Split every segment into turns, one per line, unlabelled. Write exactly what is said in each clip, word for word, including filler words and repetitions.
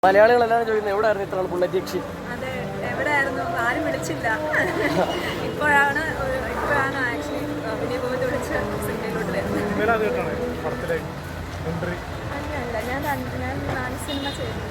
മലയാളികളെല്ലാം ചോദിക്കുന്നത് എവിടെയായിരുന്നു ഇത്ര ബുള്ളറ്റ് യക്ഷി?
അതെ, എവിടെയായിരുന്നു? ആരും വിളിച്ചില്ല. ഇപ്പോഴാണ് ഇപ്പോഴാണ് ആക്ച്വലി വിനയ ഗോവിന്ദ് വിളിച്ച് സിനിമയിലോട്ട് വരുന്നത്. അല്ല, ഞാൻ ഞാൻ നാല് സിനിമ ചെയ്തു.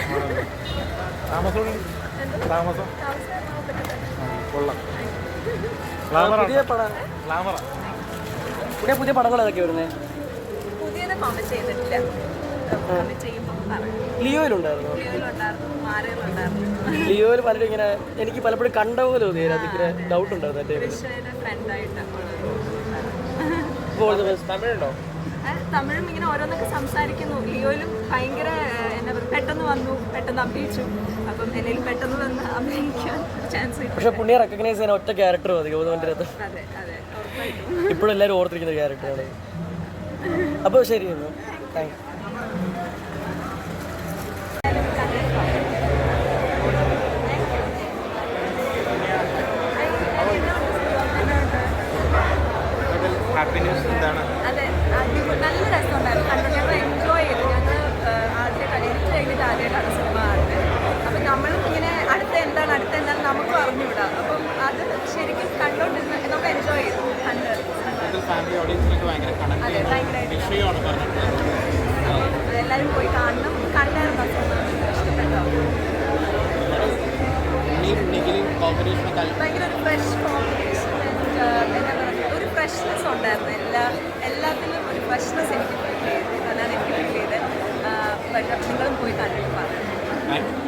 പുതിയ പടം പുതിയ പുതിയ പടങ്ങൾ ഏതൊക്കെ വരുന്നത്?
പുതിയത് കോമന്റ് ചെയ്തിട്ടില്ല.
ലിയോയിലുണ്ടായിരുന്നു.
ലിയോയിലുണ്ടായിരുന്നു.
ലിയോയിൽ പലരും ഇങ്ങനെ എനിക്ക് പലപ്പോഴും കണ്ട പോലെ തോന്നിയത് അതിങ്ങനെ ഡൗട്ട് ഉണ്ടായിരുന്നു. തമിഴുണ്ടോ?
തമിഴും ഇങ്ങനെ ഓരോന്നൊക്കെ സംസാരിക്കുന്നു. ലിയോയിലും ഭയങ്കര എന്നാ പറയുക, പെട്ടെന്ന് വന്നു, പെട്ടെന്ന് അഭിനയിച്ചു. അപ്പം എന്തെങ്കിലും പെട്ടെന്ന് വന്ന് അഭിനയിക്കാൻ ചാൻസ് കിട്ടും.
പക്ഷെ പുണ്യ റെക്കഗ്നൈസ് ചെയ്യാൻ ഒറ്റ ക്യാരക്ടർ മതി ഗൗതമൻ്റെ അകത്ത്.
അതെ അതെ, ഉറപ്പായിട്ടും
ഇപ്പോഴും എല്ലാവരും ഓർത്തിരിക്കുന്ന ക്യാരക്ടറാണ്. അപ്പോൾ ശരി, താങ്ക് യു.
അതെ, നല്ല രസമുണ്ടായിരുന്നു. കണ്ടു, ഞങ്ങൾ എൻജോയ് ചെയ്തു. ഞങ്ങൾ ആദ്യം കഴിഞ്ഞിട്ട് കഴിഞ്ഞിട്ട് ആദ്യമായിട്ടാണ് സിനിമ കാണുന്നത്. അപ്പം നമ്മളും ഇങ്ങനെ അടുത്ത എന്താണ് അടുത്ത എന്താണ് നമുക്കും അറിഞ്ഞുകൂടാ. അപ്പം അത് ശരിക്കും കണ്ടോണ്ടിരുന്ന് നമുക്ക് എൻജോയ് ചെയ്തു. കണ്ട് അതെ, ഭയങ്കരമായിട്ട് എല്ലാവരും പോയി കാണണം. കണ്ടായിരുന്നു ഇഷ്ടപ്പെട്ടോ? ഭയങ്കര ഒരു ഫ്രഷ് കോമ്പിനേഷൻ, എന്താ പറയുക, ഒരു ഫ്രഷ്നെസ് ഉണ്ടായിരുന്നു. എല്ലാ എല്ലാത്തിലും ഒരു ഫ്രഷ്നെസ് എനിക്ക് ഫീൽ ചെയ്തു. അതാണ് എനിക്ക് ഫീൽ ചെയ്തത്. പക്ഷേ നിങ്ങളും പോയി കണ്ടിട്ട് പറഞ്ഞു.